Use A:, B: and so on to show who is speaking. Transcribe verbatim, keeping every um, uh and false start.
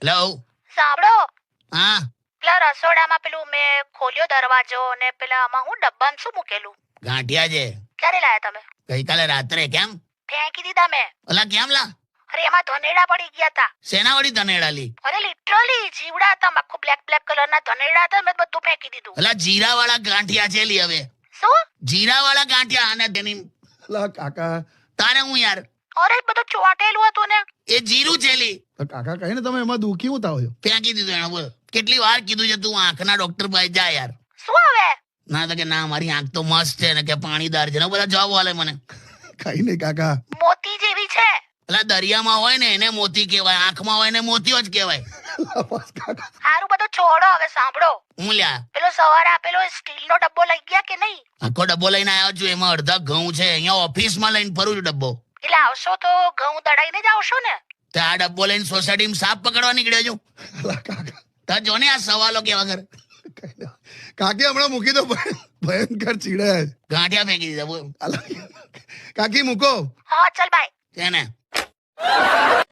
A: Hello.
B: સાંભળો,
A: હા
B: પેલા રસોડામાં પેલું મેં ખોલ્યો દરવાજો ને પેલા આમાં હું ડબ્બામાં શું મૂકેલું?
A: ગાંઠિયા છે.
B: ક્યારે લાયા તમે?
A: ગઈકાલે રાત્રે. કેમ?
B: ફેંકી દીધા મેં.
A: ઓલા કેમ લા?
B: અરે એમાં ધનેડા પડી ગયા હતા.
A: સેના વાળી ધનેડા લી?
B: અરે લિટરલી જીવડા હતા, આખું બ્લેક બ્લેક કલરના ધનેડા હતા. મેં બધું ફેંકી દીધું.
A: ઓલા જીરા વાળા ગાંઠિયા છે લી. હવે
B: શું?
A: જીરા વાળા ગાંઠિયા અને તેની
C: અલા કાકા,
A: તારે હું યાર
B: અરે બધું ચોટેલું હતું ને.
A: એ જીરું છે લી.
C: તો કાકા કહે ને તમે એમાં દુખી હું થાવ છો?
A: ફેંકી દીધું એને. બોલ કેટલી વાર કીધું છે તું આંખના ડોક્ટર પાસે જા યાર.
B: શું હવે?
A: ના તો કે ના મારી આંખ તો મસ્ત છે ને કે પાણીદાર છે ને બધા જવાબ આલે મને.
C: કઈ નહીં કાકા.
B: મોતી જેવી છે.
A: એટલે દરિયામાં હોય ને એને મોતી કહેવાય, આંખમાં હોય ને મોતીઓ જ કહેવાય.
C: અલા બસ કાકા.
B: સારું બધું છોડો, હવે સાંભળો.
A: હું લ્યા
B: પેલો સવારે આપેલો સ્ટીલનો ડબ્બો લઈ ગયા કે નહીં?
A: આખો ડબ્બો લઈને આવ્યો છું. એમાં અડધા ઘઉં છે. અહીંયા ઓફિસમાં લઈને ફરું છું ડબ્બો.
B: એટલે આવશો તો ઘઉં દડાઈને જ આવશો ને?
A: તો આ ડબ્બો લઈને સોસાયટીમાં સાપ પકડવા નીકળ્યો છું.
C: અલા કાકા.
A: તો જો ને આ સવાલો કેવા કરે.
C: કઈ નહીં. કાકી હમણાં મૂકી દો. ભય- ભયંકર ચીડાય છે.
A: ગાંઠિયા ફેંકી દીધા. બોલ
C: અલા કાકી મૂકો.
B: હા ચાલ બાય.
A: છે ને